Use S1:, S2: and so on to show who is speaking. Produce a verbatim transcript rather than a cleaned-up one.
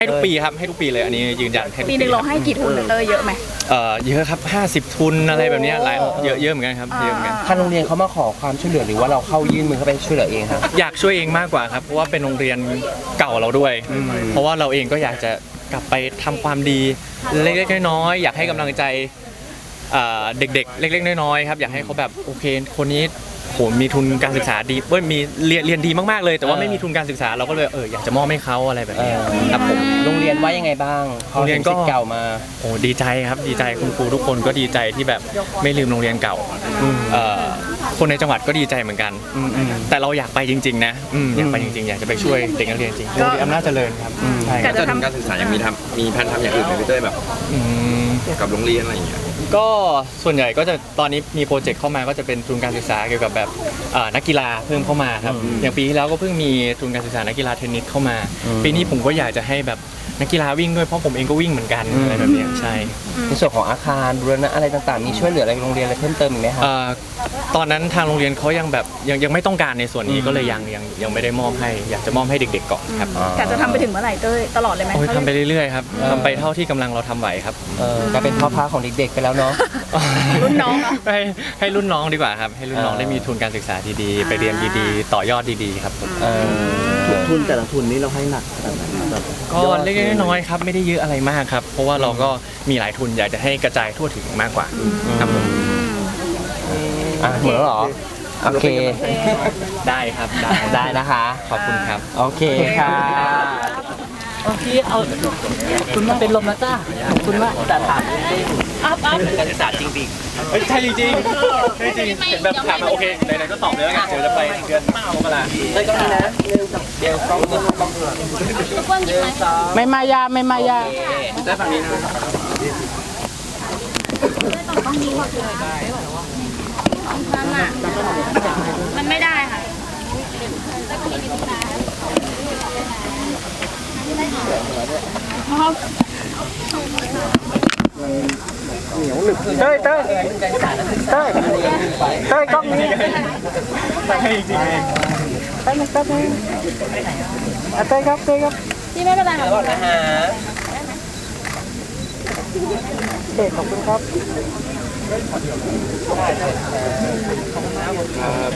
S1: ให้ทุกปีครับให้ทุกปีเลยอันนี้ยืนยันให้ทุก
S2: ปีหนึ่งเราให้กี่ทุนเตอร์เยอะไหม
S1: เอ่อเยอะครับห้าสิบทุนอะไรแบบนี้หลายเยอะเยอะเหมือนกันครับเยอะเหมือนกัน
S3: ทางโรงเรียนเขามาขอความช่วยเหลือหรือว่าเราเข้ายื่นมือเข้าไปช่วยเหลือเองครับ
S1: อยากช่วยเองมากกว่าครับเพราะว่าเป็นโรงเรียนเก่าเราด้วย เพราะว่าเราเองก็อยากจะกลับไปทำความดีเล็กๆน้อยๆอยากให้กำลังใจเด็กๆเล็กๆน้อยๆครับอยากให้เขาแบบโอเคคนนี้โหมีทุนการศึกษาดีเว้ยมีเรียนเรียนดีมากๆเลยแต่ว่าไม่มีทุนการศึกษาเราก็เลยเอออยากจะมอบให้เขาอะไรแบบนี้ครับผม
S3: โรงเรียนว่ายังไงบ้าง
S1: โรงเรียนก็
S3: เก่ามา
S1: โอ้ดีใจครับดีใจคุณครูทุกคนก็ดีใจที่แบบไม่ลืมโรงเรียนเก่าคนในจังหวัดก็ดีใจเหมือนกันแต่เราอยากไปจริงๆนะอยากไปจริงๆอยากจะไปช่วยเด็กนักเรียนจริงโรงเรียนอำนาจเจริญครับ
S4: ใช่การทำการศึกษายังมีทำมีแผนทำอย่างอื่นไหมพี่เต้ยแบบกับโรงเรียนอะไรอย่างเงี้ย
S1: ก็ส่วนใหญ่ก็จะตอนนี้มีโปรเจกต์เข้ามาก็จะเป็นทุนการศึกษาเกี่ยวกับแบบนักกีฬาเพิ่มเข้ามาครับอย่างปีที่แล้วก็เพิ่งมีทุนการศึกษานักกีฬาเทนนิสเข้ามาปีนี้ผมก็อยากจะให้แบบนักกีฬาวิ่งด้วยเพราะผมเองก็วิ่งเหมือนกันอะไรแบบนี้ใช่
S3: ในส่วนของอาคารบูรณะอะไรต่างๆมีช่วยเหลืออะไรโรงเรียนอะไรเพิ่มเติมอีกไหมครับ
S1: ตอนนั้นทางโรงเรียนเขายังแบบยังยังไม่ต้องการในส่วนนี้ก็เลยยังยังยังไม่ได้มอบให้อยากจะมอบให้เด็กๆก่อนครับ
S2: อยากจะทำไปถึงเมื่อไหร่เต้ยตลอดเลยไหม
S1: ทำไปเรื่อยๆครับทำไปเท่าที่กำลังเราทำไหวครับ
S3: ก็เป็นพ่อพาของเด็กๆไปแล้วเนาะ
S2: รุ่นน้อง
S1: ให้ให้รุ่นน้องดีกว่าครับให้รุ่นน้องได้มีทุนการศึกษาดีๆไปเรียนดีๆต่อยอดดีๆครับ
S5: ทุนแต่ละทุนนี้เราให้หนักขนาดไหนแบบ
S1: ก็เล็กๆน้อยๆครับไม่ได้เยอะอะไรมากครับเพราะว่าเราก็มีหลายทุนอยากจะให้กระจายทั่วถึงมากกว่าครับผม
S3: อ่ะเหมือนหรอโอเค
S1: ได้ครับได้
S3: ได้นะคะ
S1: ขอบคุณครับ
S3: โอเคค่ะ
S5: โอเคเอาคุณมาเป็นลมนะจ้าคุณว่าแต่ถาม
S2: อัพอัพ
S1: การศึกษาจริงๆใช่จริงๆใช่จริงเห็นแบบถามมาโอเคไหนๆก็ตอบเลยแล้วกันเดี๋ยวจะไปเดือนมกรา
S3: ได้ก็ได้นะเดี๋ยวต้องต้อง
S5: ไม่มายาไม่มายา
S1: ได้ฝั่งนี้นะ
S2: มันอ่ะมันไม่ได้ค่ะ
S5: เต้ยเต้ยเต้ยเต้ยกล้องนี้
S1: ให้จริงเอง
S5: เต้ยเต้ยเต้ยเต้ยครับเต้ยครับ
S2: พี่ไม่เป็นไรค่ะ
S3: นะฮะ
S5: เด็กขอบคุณครับ